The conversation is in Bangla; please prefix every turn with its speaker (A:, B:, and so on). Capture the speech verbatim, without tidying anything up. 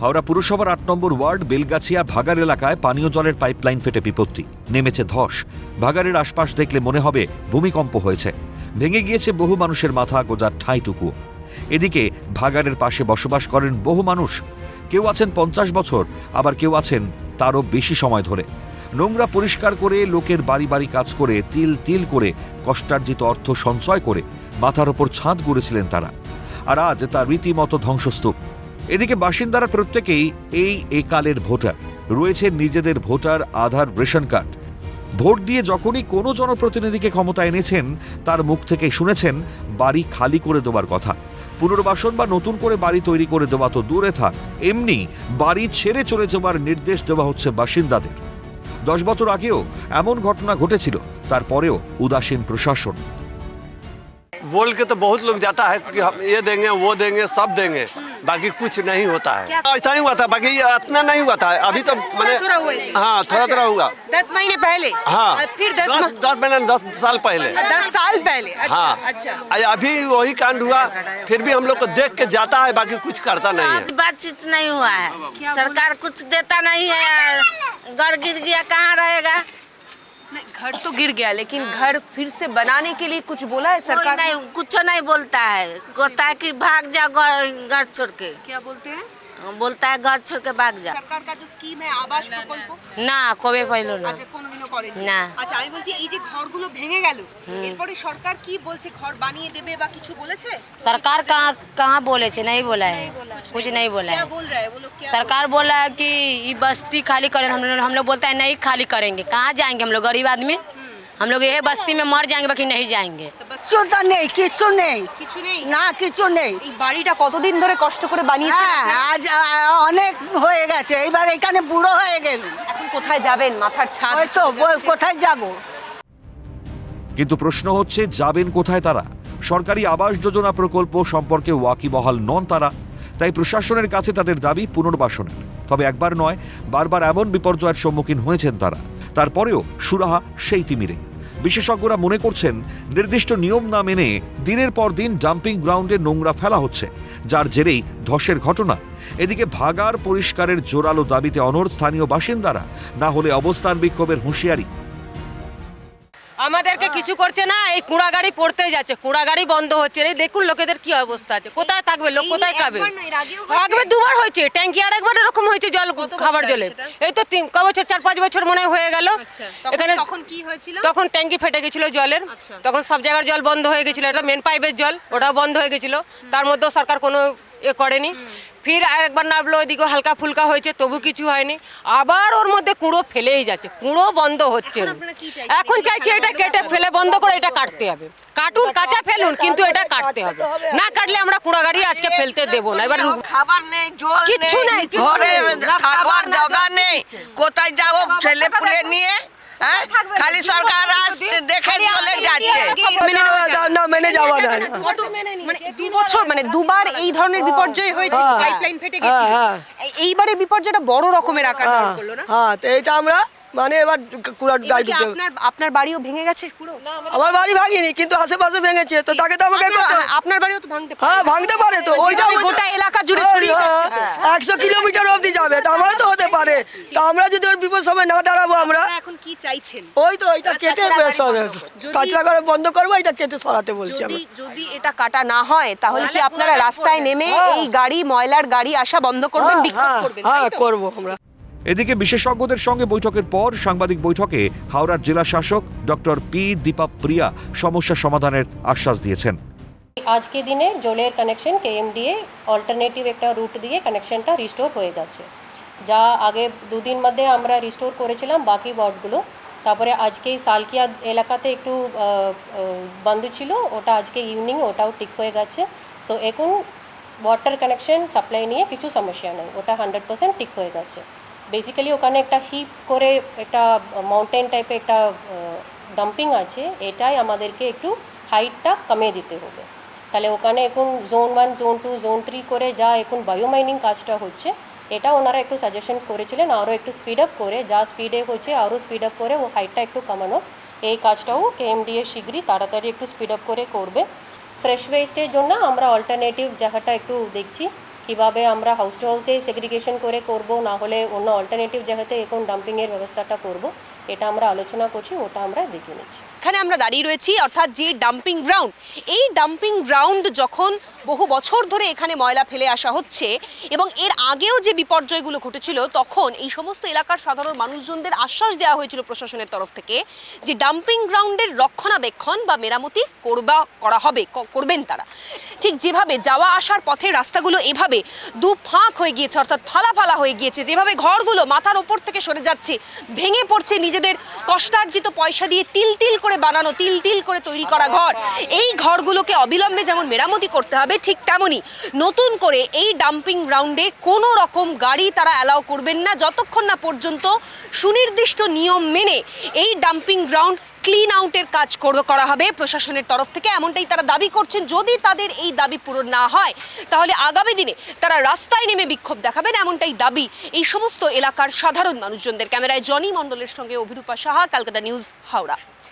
A: হাওড়া পুরসভার আট নম্বর ওয়ার্ড বেলগাছিয়া ভাগার এলাকায় পানীয় জলের পাইপলাইন ফেটে বিপত্তি, নেমেছে ধস। ভাগারের আশপাশ দেখলে মনে হবে ভূমিকম্প হয়েছে। ভেঙে গিয়েছে বহু মানুষের মাথা গোজার ঠাঁইটুকু। এদিকে ভাগারের পাশে বসবাস করেন বহু মানুষ। কেউ আছেন পঞ্চাশ বছর, আবার কেউ আছেন তারও বেশি সময় ধরে। নোংরা পরিষ্কার করে, লোকের বাড়ি বাড়ি কাজ করে, তিল তিল করে কষ্টার্জিত অর্থ সঞ্চয় করে মাথার ওপর ছাদ গড়েছিলেন তারা। আর আজ তার রীতিমতো ধ্বংসস্তূপ। এদিকে বাসিন্দারা প্রত্যেকেই এই একালের ভোটার, রয়েছে নিজেদের voter Aadhaar ration card. Vote দিয়ে যখনই কোনো জনপ্রতিনিধিকে ক্ষমতা এনেছেন, তার মুখ থেকে শুনেছেন বাড়ি খালি করে দেওয়ার কথা। পুনর্বাসন বা নতুন করে বাড়ি তৈরি করে দেওয়া তো দূরে থাক, এমনি বাড়ি ছেড়ে চলে যাওয়ার নির্দেশ দেওয়া হচ্ছে বাসিন্দাদের। দশ বছর আগেও এমন ঘটনা ঘটেছিল, তারপরেও উদাসীন প্রশাসন।
B: बोल के तो बहुत लोग जाता है कि हम ये देंगे वो देंगे सब देंगे, बाकी कुछ नहीं होता है। ऐसा नहीं हुआ था, बाकी ये इतना नहीं हुआ था। अभी तो मैंने हाँ थोड़ा थोड़ा हुआ।
C: दस महीने पहले
B: हाँ
C: फिर दस
B: दस, दस महीने दस साल पहले
C: दस साल पहले अच्छा,
B: हाँ
C: अच्छा
B: अभी वही कांड हुआ। फिर भी हम लोग को देख के जाता है, बाकी कुछ करता नहीं है।
D: बातचीत नहीं हुआ है, सरकार कुछ देता नहीं है। घर गिर गया कहाँ रहेगा?
C: नहीं, घर तो गिर गया, लेकिन घर फिर से बनाने के लिए कुछ बोला है सरकार?
D: नहीं, कुछ नहीं बोलता है। बोलता है कि भाग जाओ घर छोड़ के।
C: क्या बोलते हैं?
D: बोलता है घर छोड़ के भाग जा।
C: সরকার का जो স্কিম है আবাস প্রকল্প
D: না কবে পাইলো না।
C: আচ্ছা কোনোদিনও করেনি
D: না।
C: আচ্ছা আমি বলছি এই যে ঘরগুলো ভেঙে গেল, এরপরে সরকার কি বলছে, ঘর বানিয়ে দেবে বা কিছু বলেছে?
D: सरकार कहाँ कहाँ बोले छे? नहीं बोला है, कुछ नहीं बोला
C: क्या
D: है।
C: बोल रहा है वो लोग? क्या
D: सरकार बोला है कि ये बस्ती खाली करें। हम लोग हम लोग बोलता है नहीं खाली करेंगे। कहाँ जाएंगे हम लोग? गरीब आदमी हम लोग ये बस्ती में मर जाएंगे, बाकी नहीं जाएंगे।
E: কিছু তো নেই, কিছু নেই,
C: কিছু নেই?
E: না কিছু নেই।
C: এই বাড়িটা কতদিন ধরে কষ্ট করে বানিয়েছেন?
E: হ্যাঁ, আজ আ, অনেক হয়ে গেছে, এইবার এখানে বুড়ো হয়ে গেল।
C: এখন কোথায় যাবেন? মাথার ছাদ
E: ওই তো বল, কোথায় যাব?
A: কিন্তু প্রশ্ন হচ্ছে, যাবেন কোথায় তারা? সরকারি আবাস যোজনা প্রকল্প সম্পর্কে ওয়াকিবহাল নন তারা। তাই প্রশাসনের কাছে তাদের দাবি পুনর্বাসনের। তবে একবার নয়, বারবার এমন বিপর্যয়ের সম্মুখীন হয়েছেন তারা। তারপরেও সুরাহা সেই তিমিরে। বিশেষজ্ঞরা মনে করছেন, নির্দিষ্ট নিয়ম না মেনে দিনের পর দিন ডাম্পিং গ্রাউন্ডে নোংরা ফেলা হচ্ছে, যার জেরেই ধসের ঘটনা। এদিকে ভাগার পরিষ্কারের জোরালো দাবিতে অনড় স্থানীয় বাসিন্দারা, না হলে অবস্থান বিক্ষোভের হুঁশিয়ারি।
F: আমাদেরকে কিছু করছে না, এই কুড়া গাড়ি পড়তে যাচ্ছে, কুড়া গাড়ি বন্ধ হচ্ছে। এই দেখুন লোকেদের কি অবস্থা আছে, কোথায় থাকবে লোক, কোথায় খাবে? আগে দুবার হয়েছে ট্যাঙ্কি, আর একবার এরকম হয়েছে জল, খাবার জলে। এই তো তিন ক বছর, চার পাঁচ বছর মনে হয়ে গেল। এখানে
C: তখন কি হয়েছিল?
F: তখন ট্যাঙ্কি ফেটে গেছিল জলের, তখন সব জায়গার জল বন্ধ হয়ে গেছিল। এটা মেন পাইপের জল, ওটাও বন্ধ হয়ে গেছিল। তার মধ্যেও সরকার কোনো এ করেনি। ফির আরেকবার নামলো, ওইদিকে হালকা ফুলকা হয়েছে, তবু কিছু হয়নি। আবার ওর মধ্যে কুঁড়ো ফেলেই যাচ্ছে, কুঁড়ো বন্ধ হচ্ছে না। এখন চাইছে এটা কেটে ফেলে বন্ধ করে, এটা কাটতে হবে। কাটুন, কাঁচা ফেলুন, কিন্তু এটা কাটতে হবে। না কাটলে আমরা কুড়া গাড়ি আজকে ফেলতে দেবো না। এবার
G: খাবার নেই, জল
F: কিচ্ছু
G: নেই,
F: নেই,
G: ঘরে থাকবার জায়গা নেই, কোথায় যাবো ছেলে পুলে নিয়ে? হ্যাঁ, খালি সরকার আজ দেখে চলে যাচ্ছে।
E: না মেনে যাওয়া না।
C: মানে দু বছর, মানে দুবার এই ধরনের বিপর্যয় হয়েছে, পাইপলাইন ফেটে গেছে। এইবারে বিপর্যয়টা বড় রকমের আকার ধারণ করলো না?
E: হ্যাঁ, তো এইটা আমরা মানে এবার কুড়া গাড়ি ঢুকে।
C: আপনার আপনার বাড়িও ভেঙে গেছে পুরো?
E: আমার বাড়ি ভাঙিনি, কিন্তু আশেপাশে ভেঙেছে, তো তাকে তো আমাকে করতে হবে।
C: আপনার বাড়িও তো ভাঙতে পারে।
E: হ্যাঁ, ভাঙতে পারে তো, ওইটা
C: গোটা এলাকা জুড়ে ছড়িয়ে যাচ্ছে।
E: একশো কিলোমিটার অবধি যাবে, তো আমারও তো হতে পারে। তো আমরা যদি ওর বিপদ সময় না দাঁড়াবো, আমরা
C: এখন কি চাইছেন?
E: ওই তো ওইটা কেটে কাঁচরা করে বন্ধ করবো, এটা কেটে সরাতে বলছি
C: যদি
E: আমরা।
C: যদি এটা কাটা না হয়, তাহলে কি আপনারা রাস্তায় নেমে এই গাড়ি, ময়লার গাড়ি আসা বন্ধ করবেন, বিক্ষোভ করবেন?
E: হ্যাঁ, করবো আমরা।
A: এদিকে বিশেষজ্ঞদের সঙ্গে বৈঠকের পর সাংবাদিক বৈঠকে হাওড়ার জেলা শাসক ডক্টর পি দীপা প্রিয়া সমস্যা সমাধানের আশ্বাস দিয়েছেন।
H: আজকে দিনে জলের কানেকশন কেএমডিএ অল্টারনেটিভ একটা রুট দিয়ে কানেকশনটা রিস্টোর হয়ে যাচ্ছে। যা আগে দুদিন মধ্যে আমরা রিস্টোর করেছিলাম বাকি ওয়ার্ডগুলো, তারপরে আজকে সালকিয়া এলাকাতে একটু বন্ধ ছিল, ওটা আজকে ইভিনিং ওটাও ঠিক হয়ে গেছে। সো এখন ওয়াটার কানেকশন সাপ্লাই নিয়ে কিছু সমস্যা নেই, ওটা হান্ড্রেড পার্সেন্ট ঠিক হয়ে গেছে। বেসিক্যালি ওখানে একটা হিপ করে একটা মাউন্টেন টাইপের একটা ডাম্পিং আছে, এটাই আমাদেরকে একটু হাইটটা কমিয়ে দিতে হবে। তাহলে ওখানে এখন zone one, zone two, zone three করে যা এখন বায়োমাইনিং কাজটা হচ্ছে, এটা ওনারা একটু সাজেশন করেছিলেন আরও একটু স্পিড আপ করে, যা স্পিডে হচ্ছে আরও স্পিড আপ করে ও হাইটটা একটু কমানো। এই কাজটাও কেএমডিএ শীঘ্রই তাড়াতাড়ি একটু স্পিড আপ করে করবে। ফ্রেশ ওয়েস্টের জন্য আমরা অল্টারনেটিভ জায়গাটা একটু দেখছি, কিভাবে আমরা হাউস টু হাউসেই সেগ্রিগেশন করে করব, না হলে অন্য অল্টারনেটিভ জায়গাতে এখন ডাম্পিংয়ের ব্যবস্থাটা করব, এটা আমরা আলোচনা করছি, ওটা আমরা দেখে নিচ্ছি।
C: এখানে আমরা দাঁড়িয়ে রয়েছি, অর্থাৎ যে ডাম্পিং গ্রাউন্ড, এই ডাম্পিং গ্রাউন্ড যখন বহু বছর ধরে এখানে ময়লা ফেলে আসা হচ্ছে এবং এর আগেও যে বিপর্যয়গুলো ঘটেছিল, তখন এই সমস্ত এলাকার সাধারণ মানুষজনদের আশ্বাস দেওয়া হয়েছিল প্রশাসনের তরফ থেকে যে ডাম্পিং গ্রাউন্ডের রক্ষণাবেক্ষণ বা মেরামতি করবা করা হবে, করবেন তারা। ঠিক যেভাবে যাওয়া আসার পথে রাস্তাগুলো এভাবে দু ফাঁক হয়ে গিয়েছে, অর্থাৎ ফালা ফালা হয়ে গিয়েছে, যেভাবে ঘরগুলো মাথার ওপর থেকে সরে যাচ্ছে, ভেঙে পড়ছে নিজেদের কষ্টার্জিত পয়সা দিয়ে তিল তিল করে বানানো, তিল তিল করে তৈরি করা ঘর। এই ঘরগুলোকে অবিলম্বে যেমন মেরামতি করতে হবে, ঠিক তেমনই নতুন করে এই ডাম্পিং গ্রাউন্ডে কোনো রকম গাড়ি তারা অ্যালাউ করবেন না যতক্ষণ না পর্যন্ত সুনির্দিষ্ট নিয়ম মেনে এই ডাম্পিং গ্রাউন্ড ক্লিন আউটের কাজ করা হবে প্রশাসনের তরফ থেকে, এমনটাই তারা দাবি করছেন। যদি তাদের এই দাবি পূরণ না হয় তাহলে আগামী দিনে তারা রাস্তায় নেমে বিক্ষোভ দেখাবেন, এমনটাই দাবি এই সমস্ত এলাকার সাধারণ মানুষজনদের। ক্যামেরায় জনি মণ্ডলের সঙ্গে অভিরূপা সাহা, ক্যালকাটা নিউজ, হাওড়া।